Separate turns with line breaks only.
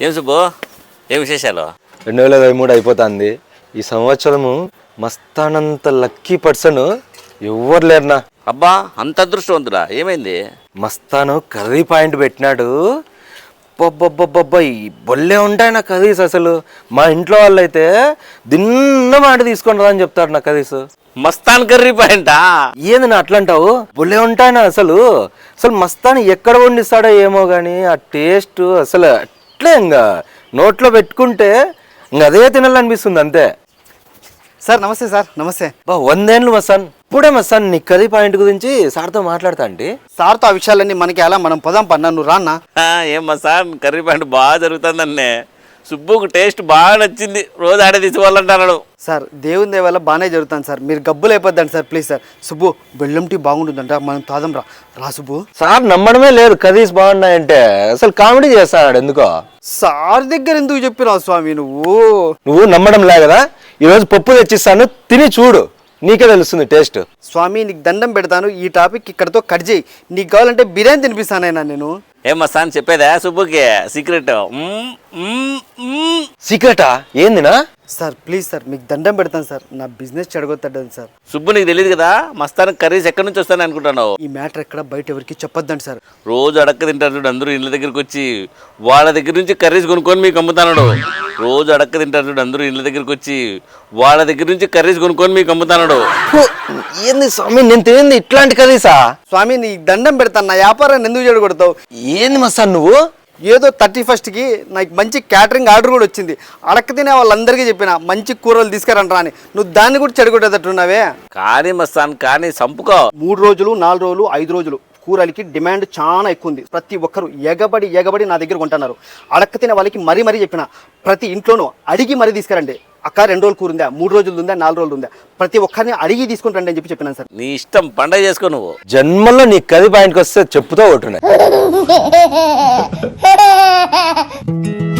ఏం సుబ్బు, ఏం విశేషాలు?
2023 అయిపోతుంది. ఈ సంవత్సరము మస్తానంత లక్కీ పర్సన్ ఎవ్వరు లేరునా.
అబ్బా, అంత అదృష్టవంతుడా? ఏమైంది?
మస్తాను కర్రీ పాయింట్ పెట్టినాడు. ఈ బొల్లే ఉంటాయి నా కర్రీస్. అసలు మా ఇంట్లో వాళ్ళు అయితే దిన్న మాట తీసుకొని రా అని చెప్తారు నా కర్రీస్.
మస్తాన్ కర్రీ పాయింటా?
ఏంది నా అట్లా అంటావు? బొల్లే ఉంటాయినా అసలు. అసలు మస్తాను ఎక్కడ వండిస్తాడో ఏమో కానీ ఆ టేస్ట్ అసలు అట్లే ఇంకా నోట్లో పెట్టుకుంటే ఇంకా అదే తినాలనిపిస్తుంది అంతే.
సార్ నమస్తే. సార్ నమస్తే.
100 ఏళ్ళు మస్తాన్. ఇప్పుడే మస్తాన్ నీ కర్రీ పాయింట్ గురించి సార్తో మాట్లాడతా అంటే.
సార్తో ఆ విషయాలన్నీ మనకి ఎలా, మనం పొదాం పన్నా, నువ్వు రాన్నా.
ఏం మస్తాన్ కర్రీ పాయింట్ బాగా జరుగుతుందన్నే. సుబ్బుకు టేస్ట్ బాగా నచ్చింది, రోజు ఆడే తీసుకోవాలంటున్నాడు.
సార్ దేవుని దయ వల్ల బాగానే జరుగుతాను సార్, మీరు గబ్బులు అయిపోద్దండి సార్. Please sir. సుబ్బు బెల్లం టీ బాగుంటుందంట, మనం తాదాం రా. రా సుబ్బు.
సార్ నమ్మడమే లేదు కర్రీస్ బాగున్నాయంటే. అసలు కామెడీ చేస్తాడు ఎందుకో.
సార్ దగ్గర ఎందుకు చెప్పినావు స్వామి
నువ్వు నమ్మడం లే కదా. ఈరోజు పప్పు తెచ్చిస్తాను, తిని చూడు, నీకే తెలుస్తుంది టేస్ట్.
స్వామి నీకు దండం పెడతాను, ఈ టాపిక్ ఇక్కడతో కట్ చేయి. నీకు కావాలంటే బిర్యానీ తినిపిస్తానైనా నేను.
ఏం మస్తాన్ చెప్పేదా సుబ్బుకి సీక్రెట్?
సీక్రెటా? ఏందినా?
సార్ ప్లీజ్ సార్, మీకు దండం పెడతాను సార్, నా బిజినెస్ చెడగొట్టండి సార్.
సుబ్బు నీకు తెలియదు కదా, మస్తాన్ కర్రీస్ ఎక్కడి నుంచి వస్తాను అనుకుంటున్నావు?
ఈ మ్యాటర్ ఎక్కడ బయట ఎవరికి చెప్పొద్దండి సార్.
రోజు అడక్క తింటారు చూడు అందరూ ఇళ్ళ దగ్గరికి వచ్చి, వాళ్ళ దగ్గర నుంచి కర్రీస్ కొనుక్కొని మీకు అమ్ముతాడు. రోజు అడక్క తింటారు చూడు అందరూ ఇళ్ళ దగ్గరికి వచ్చి, వాళ్ళ దగ్గర నుంచి కర్రీస్ కొనుక్కొని మీకు అమ్ముతాడు.
ఏంది స్వామి నేను తినేది ఇట్లాంటి కర్రీసా?
స్వామి నీ దండం పెడతాను, నా వ్యాపారాన్ని ఎందుకు చెడగొడతావు?
ఏంది మస్తాన్ నువ్వు?
ఏదో 31st నాకు మంచి క్యాటరింగ్ ఆర్డర్ కూడా వచ్చింది. అడక్క తినే వాళ్ళందరికీ చెప్పిన మంచి కూరలు తీసుకురంటారా అని. నువ్వు దాన్ని కూడా చెడగొట్టేటట్టున్నావే.
కానీ మస్తాన్ కానీ సంపుకో.
3 రోజులు 4 రోజులు 5 రోజులు కూరలకి డిమాండ్ చాలా ఎక్కువ ఉంది. ప్రతి ఒక్కరు ఎగబడి నా దగ్గర కొంటున్నారు. అడక్క తినే వాళ్ళకి మరీ చెప్పిన, ప్రతి ఇంట్లోనూ అడిగి మరీ తీసుకురండి. అక్క 2 రోజులు కూర ఉందా, 3 రోజులు ఉందా, 4 రోజులు ఉందా, ప్రతి ఒక్కరిని అడిగి తీసుకుని రండి అని చెప్పినాను సార్.
నీ ఇష్టం, పండగ చేసుకో నువ్వు.
జన్మల్లో నీ కర్రీ పాయింట్కి వస్తే చెప్పుతో కొట్టున్నాయి.